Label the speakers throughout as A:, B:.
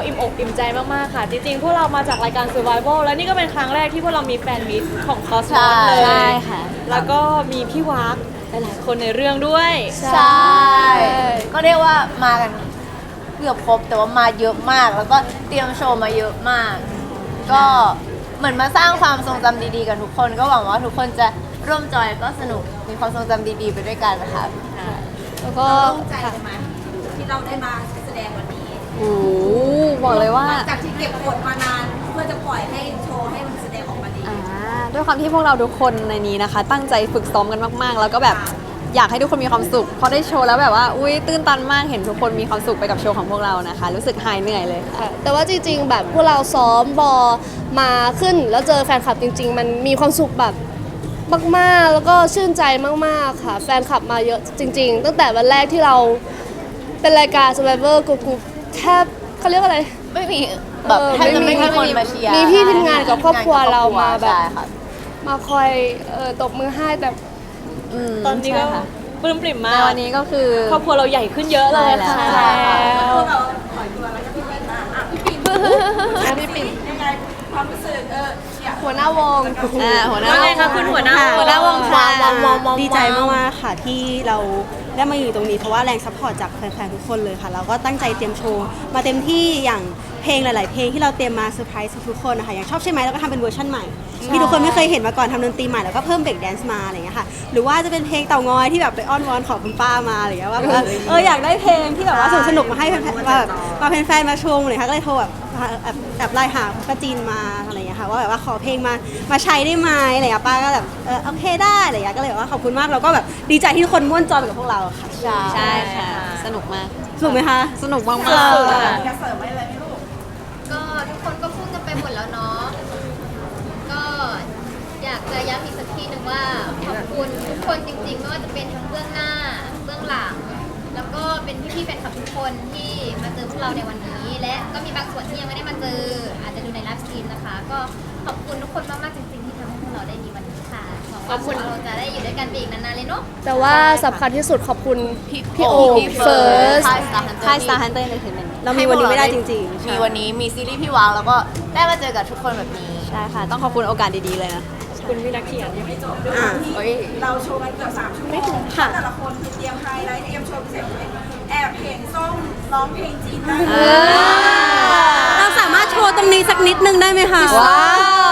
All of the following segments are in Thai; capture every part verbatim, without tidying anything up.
A: อิ่มอกอิ่มใจมากๆค่ะจริงๆพวกเรามาจากรายการ Survival แล้วนี่ก็เป็นครั้งแรกที่พวกเรามีแฟนมิตของ Cosmos เลย
B: ใช่ค่ะ
A: แล้วก็มีพี่วักหลายๆคนในเรื่องด้วย
B: ใช่ ก็เรียกว่ามากันเกือบครบแต่ว่ามาเยอะมาก แล้วก็เตรียมโชว์มาเยอะมาก ก็เหมือนมาสร้างความทรงจำดีๆกันทุกคน ก็หวังว่าทุกคนจะร่วมจอยก็สนุกมีความทรงจำดีๆไปด้วยกันนะคะ
A: แล้วก็
C: โล่งใจใช่ไหมที่เราได้มาแสดงวันนี้
A: โอ้โหบอกเลยว่า
C: จากที่เก็บกดมานานเพื่อจะปล่อยให้โชว์ให้มันแสดงออกมาดี
D: อ่าด้วยความที่พวกเราทุกคนในนี้นะคะ ตั้งใจฝึกซ้อมกันมากๆ แล้วก็แบบอยากให้ทุกคนมีความสุขพอได้โชว์แล้วแบบว่าอุ้ยตื้นตันมากเห็นทุกคนมีความสุขไปกับโชว์ของพวกเรานะคะ รู้สึกหายเหนื่อยเลยค่ะ
E: ค่ะแต่ว่าจริงๆแบบพวกเราซ้อมบอมาขึ้นแล้วเจอแฟนคลับจริง ๆ มันมีความสุขแบบมากๆแล้วก็ชื่นใจมากๆค่ะ แฟนคลับมาเยอะจริง ๆ ตั้งแต่วันแรกที่เราเป็นรายการ Survivor กรุ๊ปแทบเขาเรียกว่าอะไร
B: ไม่มีแบบ
E: เออ
B: แทบจะไม่
E: ไม่
B: มี
E: มี
B: คนมาเชียร์
E: มีพี่ทีมงานกับครอบครัวเรามาแบบ
B: ใช่ค่ะ
E: มาคอยเอ่อตบมือให้แต่
D: อืม
A: ตอนนี้ก็
D: ใช่ค่ะ
A: ปลื้มปริ่ม
D: ใน
A: มาก
D: วันนี้ก็คือ
A: ครอบครัวเราใหญ่ขึ้นเยอะเลย
D: ใช่
A: ค่ะ
D: แล้ว
C: พวกเราปล่อยตัวแล้วก็พี่ปิ่นมาอ่ะพี่ปิ่นพี่ปิ่นยังไงความรู้สึกเออเนี่ย
E: หัวหน้าวง
D: อ่าหัวหน้า
A: ว่าไงคะคุณหัวหน้า
D: หัวหน้าวงค่ะ
F: ดีใจมากๆค่ะที่เราได้มาอยู่ตรงนี้เพราะว่าแรงซัพพอร์ตจากแฟนๆทุกคนเลยค่ะเราก็ตั้งใจเตรียมโชว์มาเต็มที่อย่างเพลงหลาย ๆ เพลงที่เราเตรียมมาเซอร์ไพรส์ทุกๆคนนะคะอย่างชอบใช่ไหมเราก็ทำเป็นเวอร์ชันใหม่ที่ทุกคนไม่เคยเห็นมาก่อนทำดนตรีใหม่แล้วก็เพิ่มเบรกแดนซ์มาอะไรอย่างเงี้ยค่ะหรือว่าจะเป็นเพลงเต่างอยที่แบบไปอ้อนวอนขอคุณป้ามาอะไรอย่างเงี้ยว่าแบบว่าเอออยากได้เพลงที่แบบว่าสนุกๆมาให้แฟนๆแบบมาแฟนๆมาชมเลยค่ะก็เลยโทรแบบแบบแบบไลน์หาป้าจีนมาอะไรอย่างเงี้ยค่ะว่าแบบว่าขอเพลงมามาใช้ได้ไหมอะไรอย่างเงี้ยป้าก็แบบเออโอเคได้อะไรอย่างเงี้ยก็เลยแบบว่าขอบคุณมากแล้วก็แบบดีใจที่ทุกคนม่วนจอยไปกับพวกเราค่ะ
D: ใช่ค่ะ สนุกมาก
F: สนุกไหมคะ
D: สนุกมาก
F: เออ
C: จะเสริมอะไรไหมลูก
G: ก็ทุกคนก็พูดกันไปหมดแล้วเนาะ ก็อยากจะย้ำอีกสักทีหนึ่งว่าขอบคุณทุกคนจริงๆไม่ว่าจะเป็นทั้งเบื้องหน้าเบื้องหลัง แล้วก็เป็นพี่ๆแฟนคลับทุกคนที่มาเจอพวกเราในวันนี้ และก็มีบางส่วนที่ยังไม่ได้มาเจอ อาจจะดูในไลฟ์สตรีมนะคะ ก็ขอบคุณทุกคนมากๆจริงๆที่ทำให้พวกเราได้มีวันนี้ค่ะหวังว่าพวกเราจะได้อยู่ด้วยกันไปอีกนานๆเลยเนาะ
E: แต่ว่าสำคัญที่สุดขอบคุณพี่พี่โอ
B: พี่
E: เฟิร์ส
B: ค่าย Star Hunter
D: ค่าย Star Hunter Entertainment
F: เรามีวันนี้ไม่ได้จริงๆ
B: มีวันนี้มีซีรีส์พี่วางแล้วก็ได้มาเจอกับทุกคนแบบนี้
D: ใช่ค่ะ ต้องขอบคุณโอกาสดีๆเลยนะ
A: คุณพี่นักเขียนยังไม่จบ
F: อ่ะ
B: เฮ้ย
C: เราโชว์กันเกือบสามชั่วโมง
F: ค่ะ
C: แต่ละคนคือเตรียมไฮไลท์เตรียมโชว์พิเศษเลยแอบเห็นส้มร้องเพลงจีนได้
F: เราสามารถโชว์ตรงนี้สักนิดนึงได้ไหมคะ
D: ว้าว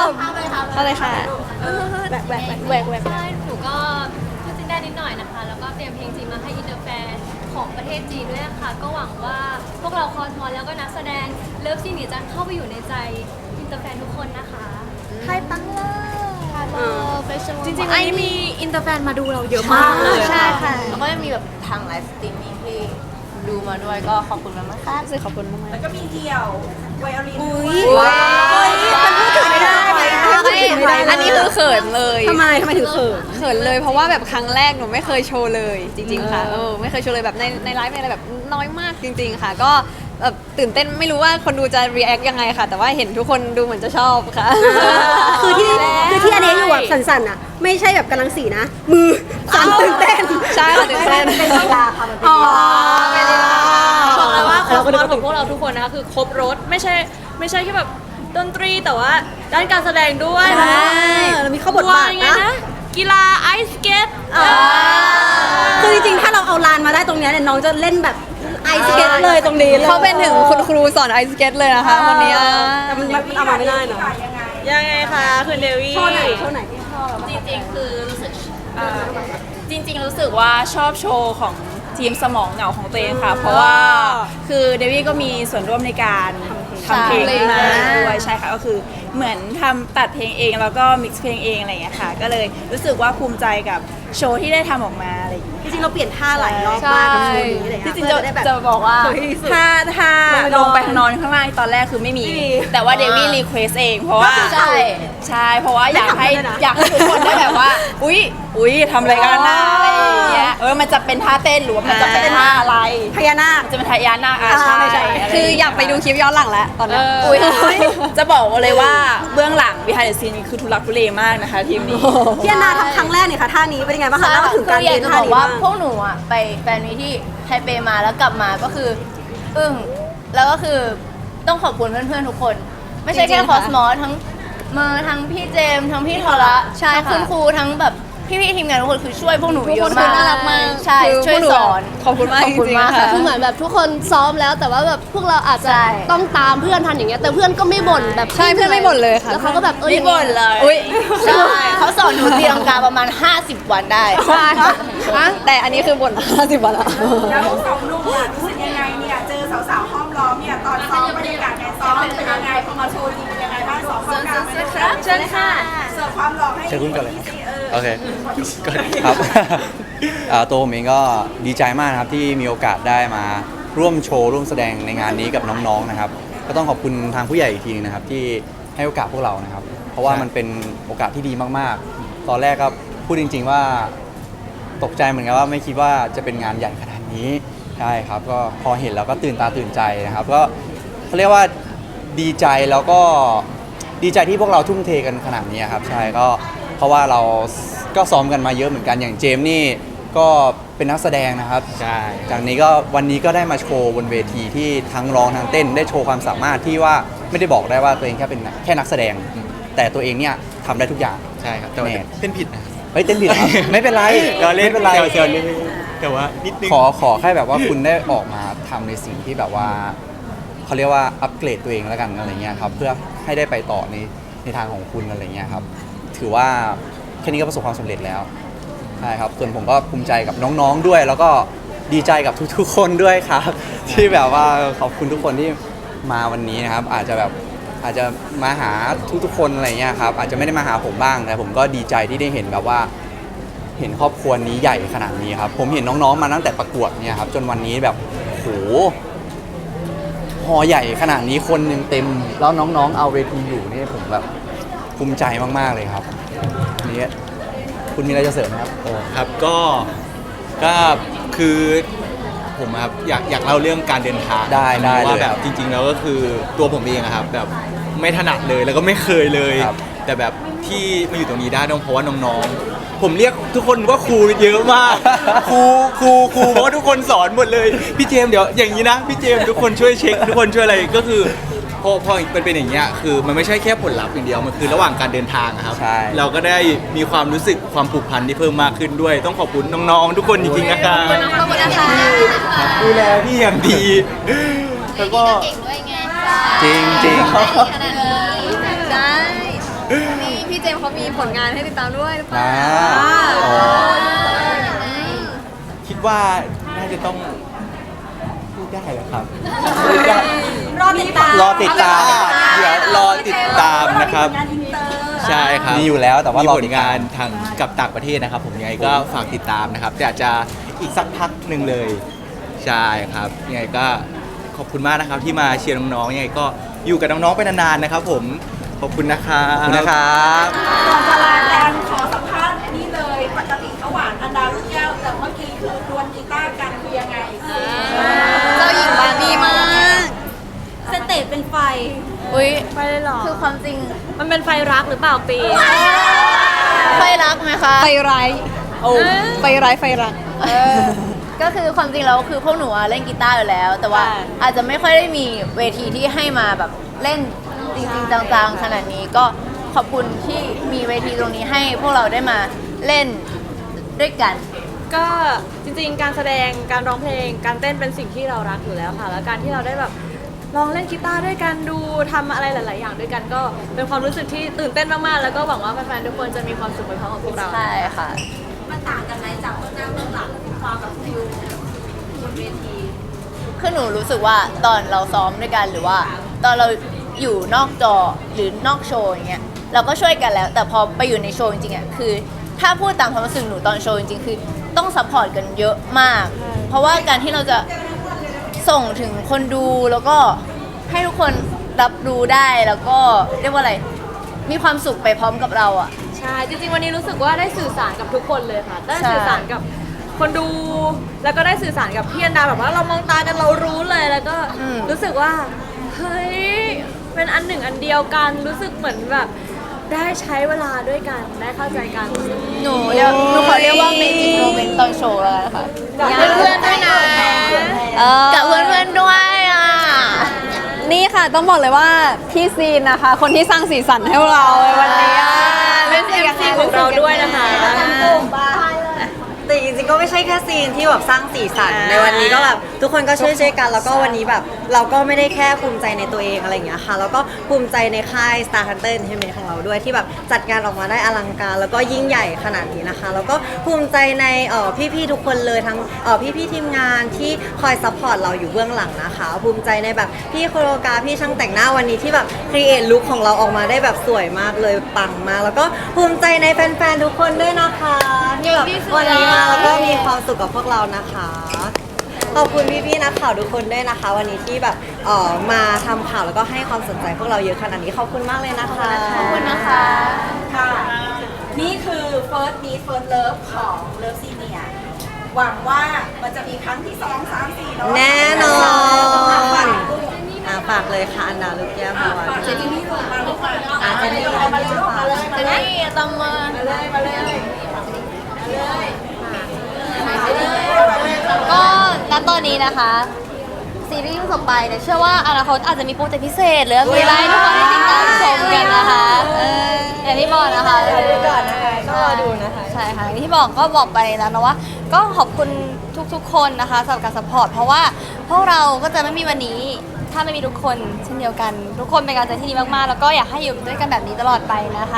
B: เข้าเลยค่ะ
E: แหวกแหวกแหวกแหวก
G: ใช่หนูก็พูดจีนได้นิดหน่อยนะคะ แล้วก็เตรียมเพลงจีนมาให้อินเตอร์แฟนของประเทศจีนด้วยนะคะ ก็หวังว่าพวกเราคอสมอลแล้วก็นักแสดงเลิฟซีนหนีจันเข้าไปอยู่ในใจอินเตอร์แฟนทุกคนนะคะไทยปังเลย
A: จริงๆวันนี้มีอินเตอร์แฟนมาดูเราเยอะมากเลย
B: ใช่ค่ะ แล้วก็จะมีแบบทางไลฟ์สตรีมมิ่งที่ดูมาด้วยก็ขอบคุณมากๆค่ะ
D: รู้สึกขอบคุณมาก
C: แล้วก็มีเดี่ยวไวโอลิน
F: อุ้
C: ด้วย ย
D: ว้าว
F: มันพูดถึงไม่ได้
D: ๆ
F: พูดถึงไม่ได้
D: อันนี้คือเขินเลย
F: ทำไมทำไมถึงเขิน
D: เขินเลยเพราะว่าแบบครั้งแรกหนูไม่เคยโชว์เลยจริง ๆ ค่ะเออไม่เคยโชว์เลยแบบในในไลฟ์ในอะไรแบบน้อยมากจริง ๆ ค่ะ ก็แบบตื่นเต้นไม่รู้ว่าคนดูจะ react ยังไงค่ะ แต่ว่าเห็นทุกคนดูเหมือนจะชอบค่ะ
F: คือที่คือที่อันนี้อยู่แบบสั่นๆอ่ะ ไม่ใช่แบบกำลังสีนะ มือสั่นตื่นเต้น
D: ใช่ค่ะตื่นเต้น
B: เป็นกีฬาค่ะมันเป็น
F: อ๋อ
B: กีฬา
A: บอกเลยว่าคอ
F: เรา
A: ส
F: ก็
A: ม
F: นึ
A: อก น
F: ว่า
A: ของพวกเราทุกคนนะคะคือครบรถไม่ใช่ไม่ใช่แค่แบบดนตรีแต่ว่าด้านการแสดงด้วย
F: ใช่เรามีเข้าบทบาท
A: ไง
F: นะ
A: นะ กีฬาไอสเกต
F: คือจริงๆ ถ้าเราเอาลานมาได้ตรงเนี้ยเนี่ยน้องจะเล่นแบบไอสเก็ตเลยตรงนี้เลย
D: เขาเป็นถึงคุณครูสอนไอสเก็ตเลยนะคะคนนี้อ่ะ
F: แต่มันมันเอามาไม่ได้เนาะ
A: ยังไงคะคุณเดวี่
F: โชว์ไหนโชว์ไหนที่ชอบ
H: จริงๆ คือรู้สึกอ่าจริงๆ รู้สึกว่าชอบโชว์ของทีมสมองเหงาของตัวเองค่ะ เพราะว่าคือเดวี่ก็มีส่วนร่วมในการทำเพลงขึ้นมาด้วยใช่ค่ะก็คือเหมือนทำตัดเพลงเองแล้วก็มิกซ์เพลงเองอะไรอย่างเงี้ยค่ะ ก็เลยรู้สึกว่าภูมิใจกับโชว์ที่ได้ทำออกมาอะไรอย่างเงี้ย
F: จริงๆ เราเปลี่ยนท่าหลายรอบมากกับโชว์นี้เลย
H: ที่จริงจะจะบอกว่า
F: สวยที่สุด
H: ถ้าถ้าลงไปนอนข้างล่างตอนแรกคือไม่มี
F: ไม่มี
H: แต่ว่าเดวี่รีเควสเองเพราะว่า
B: ใช่
H: ใช่เพราะว่าอยากให้
F: ไม่ทำเลยนะ
H: อยากให้ทุกคนได้แบบว่า อุ๊ยอุ๊ยทำอะไรกันนะอะไรอย่างเงี้ยเออมันจะเป็นท่าเต้นหรือว่ามันจะเป็นท่าอะไร
F: พญานาค
H: มันจะเป็นท่ายานาคอา
F: อ่า
H: ใช่
F: ไม่ใช่
H: ะร
D: คืออยากไปดูคลิปย้อนหลังแล้วตอนนี้
H: อุ๊ยจะบอกเลยว่าเบื้องหลัง behind the scene คือทุลักทุเลมากนะคะทีมนี้
F: พี่อนาทำครั้งแรกเนี่ยค่ะท่านี้เป็นยังไงบ้างคะ
B: ใช่
F: เล่าถึงการ
B: คืออยา
F: เรี
B: ก
F: ยน
B: จะ
F: ท่า
B: บอก
F: นี้
B: ว่า
F: บ้าง
B: พวกหนูอ่ะไปแฟนมีที่ไทเปมาแล้วกลับมาก็คืออึ้งแล้วก็คือต้องขอบคุณเพื่อนๆทุกคน ไม่ใช่
D: จริ
B: แค่
D: งๆ
B: คอส
D: ค่ะ
B: มอสทั้งเมอร์ทั้งพี่เจมส์ทั้งพี่ทอระ
D: ใช่
B: ทั้ง
D: ค่ะ
B: คุณครูทั้งแบบพี่ๆทีมงานทุกคนคือช่วยพวกหนู
D: ทุก
B: เย
D: ค
B: อะ
D: นคื
B: มา
D: อก น่ารักมาก
B: ใช่
D: คือ
B: ช่วย
D: พกหนู
B: สอน
D: ขอบคุณมาก
B: ขอบ
D: จ
B: คุณ
D: ริง
B: มาก
D: ๆค่ะ
E: คือเหมือนแบบทุกคนซ้อมแล้วแต่ว่าแบบพวกเราอาจจะ
B: ใช่
E: ต้องตามเพื่อนทันอย่างเงี้ยแต่เพื่อนก็ไม่บ่นแบบ
D: ใช่เพื่อนไม่บ่นเลยค่ะ
E: แล้วเขาก็แบบเออ
B: ไม่บ่นเลย
D: อุ้ย
B: ใช่เขาสอนหนูตีลังกาประมาณ ห้าสิบ วันได้
D: ใช่ค่ะแต่อันนี้คือบ่นห้าสิบวันละ
C: แล้วทั้งสองหนุ่มอะรู้สึกยังไงเนี่ยเจอสาวๆห้อมล้อมเนี่ยตอนซ้อมบรรยากาศการซ้อมเป็นยังไงพอมาโชว์จริงเป็นยังไงบ้างสองคนกันครับเชิญค่ะเสิร์ฟความหล่อให้
I: เชิญคุณก่อนเลยครับ
C: เออ
I: โอเคครับ อ่าตัวผมเองก็ดีใจมากนะครับที่มีโอกาสได้มาร่วมโชว์ร่วมแสดงในงานนี้กับน้องๆนะครับ ก็ต้องขอบคุณทางผู้ใหญ่อีกทีนึงนะครับ ที่ให้โอกาสพวกเรานะครับ เพราะว่ามันเป็นโอกาสที่ดีมากๆ ตอนแรกก็พูดจริง ๆว่าตกใจเหมือนกันว่าไม่คิดว่าจะเป็นงานใหญ่ขนาดนี้ใช่ครับ ก็พอเห็นแล้วก็ตื่นตาตื่นใจนะครับ ก็เขาเรียกว่าดีใจแล้วก็ดีใจที่พวกเราทุ่มเทกันขนาดนี้ครับใช่ก็เพราะว่าเราก็ซ้อมกันมาเยอะเหมือนกันอย่างเจมส์นี่ก็เป็นนักแสดงนะครับใช่จากนี้ก็วันนี้ก็ได้มาโชว์บนเวทีที่ทั้งร้องทั้งเต้นได้โชว์ความสามารถที่ว่าไม่ได้บอกได้ว่าตัวเองแค่เป็นแค่นักแสดง แต่ตัวเองเนี่ยทำได้ทุกอย่าง
J: ใช่ครับแต่ว่า
I: แน่
J: เต้นผิดนะ
I: เฮ้ยเต้นผิดเหรอครับ ไม่เป็นไร
J: เราเล่น
I: ไม่เป็นไร
J: เซลล์เล่นแต่ว่านิดนึง
I: ขอขอแค่แบบว่าคุณได้ออกมาทำในสิ่งที่แบบว่าเขาเรียกว่าอัปเกรดตัวเองแล้วกันอะไรเงี้ยครับเพื่อให้ได้ไปต่อในในทางของคุณอะไรเงี้ยครับถือว่าแค่นี้ก็ประสบความสำเร็จแล้วใช่ครับส่วนผมก็ภูมิใจกับน้องๆด้วย แล้วก็ดีใจกับทุกๆคนด้วยครับ ที่แบบว่าขอบคุณทุกคนที่มาวันนี้นะครับ อาจจะแบบอาจจะมาหาทุกๆคนอะไรเงี้ยครับอาจจะไม่ได้มาหาผมบ้างแต่ผมก็ดีใจที่ได้เห็นแบบว่า เห็นครอบครัวนี้ใหญ่ขนาดนี้ครับผมเห็นน้องๆมาตั้งแต่ประกวดเนี่ยครับจนวันนี้แบบโหฮอใหญ่ขนาดนี้คนยังเต็มแล้วน้องๆเอาเวทีอยู่นี่ผมแบบภูมิใจมากๆเลยครับนี่คุณมีอะไรจะเสริมไหมครับ
J: โอ้ครับก็ก็คือผมอะครับอยากอยากเล่าเรื่องการเดินทาง
I: ได้ได้เลย
J: ว่าแบบจริง ๆ แล้วก็คือตัวผมเองอะครับแบบไม่ถนัดเลยแล้วก็ไม่เคยเลย
I: ครับ
J: แต่แบบที่มาอยู่ตรงนี้ได้ต้องเพราะว่าน้องๆ ผมเรียกทุกคนว่าครูเยอะมาก ครูครูครูเพราะว่าทุกคนสอนหมดเลยพี่เจมส์เดี๋ยวอย่างนี้นะพี่เจมส์ทุกคนช่วยเช็คทุกคนช่วยอะไรก็คือพอพอเป็นเป็นอย่างเงี้ยคือมันไม่ใช่แค่ผลลัพธ์อย่างเดียวมันคือระหว่างการเดินทางอะครับ
I: ใช่
J: เราก็ได้มีความรู้สึกความผูกพันที่เพิ่มมากขึ้นด้วย ต้องขอบคุณน้องๆ ทุกคนจริงๆนะครับ
G: ขอบคุณนะคะ
J: ดูแลพี่อย่างดี แล้วก็
G: เก่งด้วยไง
I: จริงจริง
G: ขนาดนี้
D: ใช่นี่พี่เจมส์เขามีผลงานให้ติดตามด้วยหรือเปล่า
I: อ่าอ๋อ
J: คิดว่าน่าจะต้องพูดได้เหรอครับ
C: รอติดตาม
I: รอติดตาม
J: เดี๋ยวรอติดตามนะครับ
C: งานอินเตอร์
J: ใช่ครับ
I: มีอยู่แล้วแต่ว่ารอ
J: มีผ
I: ติ
J: ล
I: ดตาม
J: งานทางกับต่างประเทศนะครับ ผมยังไงก็ฝากติดตามนะครับ แต่อาจจะอีกสักพักหนึ่งเลย ใช่ครับยังไงก็ขอบคุณมากนะครับที่มาเชียร์น้องๆยังไงก็อยู่กับน้องๆไปนานๆนะครับ ผมขอบคุณนะครับ
I: ขอบคุณนะครับ
C: ก่อนจะลากันขอสัมภาษณ์นี่เลยปกติเขาหวานอันดาลูกแก้วแต่เมื่อกี้คือดวลกีตาร์กันคือยังไง
D: เจ้าหญิงบาร์บี้มาก
C: สเตจเป็นไฟ
B: อุ้ย
A: ไปเลยเหรอ
B: คือความจริง
A: มันเป็นไฟรักหรือเปล่าปี
B: ไฟรักไหมคะ
D: ไฟร้ายโอ้ไฟร้ายไฟรัก
B: เออก็คือความจริงแล้วคือพวกหนูอะเล่นกีตาร์อยู่แล้ว แต่ว่า
A: ใช่
B: อาจจะไม่ค่อยได้มีเวทีที่ให้มาแบบเล่นจริงๆจังๆขนาดนี้ก็ขอบคุณที่มีเวทีตรงนี้ให้พวกเราได้มาเล่นด้วยกัน
A: ก็จริงๆ การแสดงการร้องเพลงการเต้นเป็นสิ่งที่เรารักอยู่แล้วค่ะ แล้วการที่เราได้แบบลองเล่นกีตาร์ด้วยกันดูทำอะไรหลาย ๆ อย่างด้วยกันก็เป็นความรู้สึกที่ตื่นเต้นมากๆ แล้วก็หวังว่าแฟนๆ ทุกคนจะมีความสุขไปพร้อมกับพวกเรา
B: ใช่ค่ะ
C: มันต่างกันไหมจากเบื้องหน้าเบื้องหลังความแบบฟิลบนเวที
B: คือหนูรู้สึกว่าตอนเราซ้อมด้วยกันหรือว่า ตอนเราอยู่นอกจอหรือนอกโชว์อย่างเงี้ยเราก็ช่วยกันแล้ว แต่พอไปอยู่ในโชว์จริงๆอ่ะคือ ถ้าพูดตามความรู้สึกหนูตอนโชว์จริงๆคือต้องซัพพอร์ตกันเยอะมาก เพราะว่าการที่เราจะส่งถึงคนดูแล้วก็ให้ทุกคนรับรู้ได้แล้วก็เรียกว่าอะไรมีความสุขไปพร้อมกับเราอ่ะ
A: ใช่ จริงๆ วันนี้รู้สึกว่าได้สื่อสารกับทุกคนเลยค่ะ ได้
B: ใช่
A: สื่อสารกับคนดู แล้วก็ได้สื่อสารกับพี่อันดาแบบว่าเรามองตากันเรารู้เลย แล้วก็รู้สึกว่า เฮ้ย เป็นอันหนึ่งอันเดียวกัน รู้สึกเหมือนแบบได้ใช้เวลาด้วยกัน ได้เข้าใจกัน
B: หนูเรียกหนูขอเรียกว่าเมจิกโมเมนต์ตอนโชว์แล้วกันค่ะ
A: กับเพื่อนๆด้วยนะ
B: กับเพื่อนๆด้วยอ่ะ
D: นี่ค่ะต้องบอกเลยว่าพี่ซีนนะคะ คนที่สร้างสีสันให้พวกเราในวันนี้อ่ะ
A: เป็น เอ็ม ซี ของเราด้วยนะคะ
K: แต่จริงๆก็ไม่ใช่แค่ซีนที่แบบสร้างสีสันในวันนี้ก็แบบทุกคนก็ช่วยๆกันแล้วก็วันนี้แบบเราก็ไม่ได้แค่ภูมิใจในตัวเองอะไรอย่างเงี้ยค่ะแล้วก็ภูมิใจในค่าย Star Hunter Entertainment ของเราด้วยที่แบบจัดงานออกมาได้อลังการ แล้วก็ยิ่งใหญ่ขนาดนี้นะคะแล้วก็ภูมิใจในเอ่อพี่ๆทุกคนเลยทั้งเอ่อพี่ๆทีมงานที่คอยซัพพอร์ตเราอยู่เบื้องหลังนะคะ ภูมิใจในแบบพี่โคโรกราฟพี่ช่างแต่งหน้าวันนี้ที่แบบครีเอทลุคของเราออกมาได้แบบสวยมากเลยปังมากแล้วก็ภูมิใจในแฟนๆทุกคนด้วยนะคะที่แบบวันนี้มาแล้วก็มีความสุขกับพวกเรานะคะ ขอบคุณพี่ๆนักข่าวทุกคนด้วยนะคะ วันนี้ที่แบบเอ่อมาทำข่าวแล้วก็ให้ความสนใจพวกเราเยอะขนาดนี้ขอบคุณมากเลยนะคะ
B: ขอบคุณนะคะ
C: ค่ะ นี่คือ first meet first love ของ Love Senior หวังว่ามันจะมีครั้งที่สองสามสี่เนาะ
K: แน่นอน
C: ลูก
K: อ่ะฝากเลยค่ะอันดาลูกแก้วพาวัน
C: เจนนี่ลูกมาลูกมา
K: อ่ะเจนนี่
C: มาเลยลูกมาเลยมาเลย
B: นี่ตำมือ
C: มาเลยมาเลย
B: ก็ณตอนนี้นะคะ ซีรีส์ต่อไปเนี่ยเชื่อว่าอนาคตอาจจะมีโปรเจกต์พิเศษหรืออะไรให้ทุกคนได้ติดตามชมกันนะคะเอออย่างที่บอกนะคะ
K: ดูก่อนนะคะก็รอดูนะคะ
B: ใช่ค่ะอย่างที่บอกก็บอกไปแล้วนะว่า ก็ขอบคุณทุกๆ คนนะคะสำหรับการสปอร์ตเพราะว่าพวกเราก็จะไม่มีวันนี้ถ้าไม่มีทุกคนเช่นเดียวกัน ทุกคนเป็นกำลังใจที่ดีมากๆ แล้วก็อยากให้อยู่ด้วยกันแบบนี้ตลอดไปนะคะ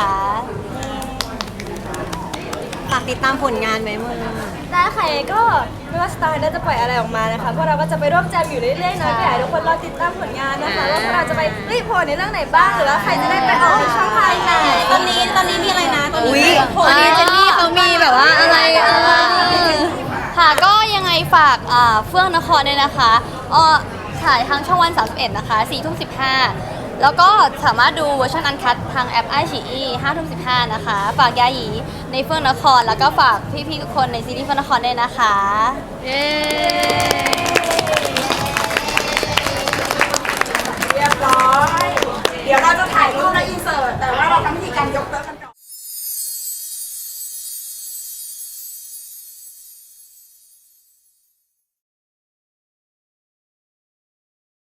K: ฝากติดตามผลงานไหมมึง
A: ได้ค่ะก็ไม่ว่าสตาร์ได้จะปล่อยอะไรออกมานะคะพวกเราก็จะไปร่วมแจมอยู่เรื่อยๆนะก็อยากให้ทุกคนรอติดตามผลงานนะคะว่าพวกเราจะไปรีพอร์ตในเรื่องไหนบ้างหรือว่าใครจะได้ไปออกในช่องทางไหนตอนนี้ตอนนี้มีอะไรนะตอนนี้
B: วันนี้เจนนี่เขามีแบบว่าอะไรเออค่ะก็ยังไงฝากอ่าเฟื่องนครด้วยนะคะอ๋อถ่ายทางช่องวันสามสิบเอ็ดนะคะสี่ทุ่มสิบห้าแล้วก็สามารถดูเวอร์ชันอันคัดทางแอปไอชีอีห้าทุ่มสิบห้านะคะ ฝากยาหยีในเฟื่องนคร แล้วก็ฝากพี่ๆทุกคนในซีรีส์เฟื่องนครด้วยนะคะ
A: เย้
C: เรียบร้อย เดี๋ยวเราจะถ่ายรูปและอินเสิร์ตแต่ว่า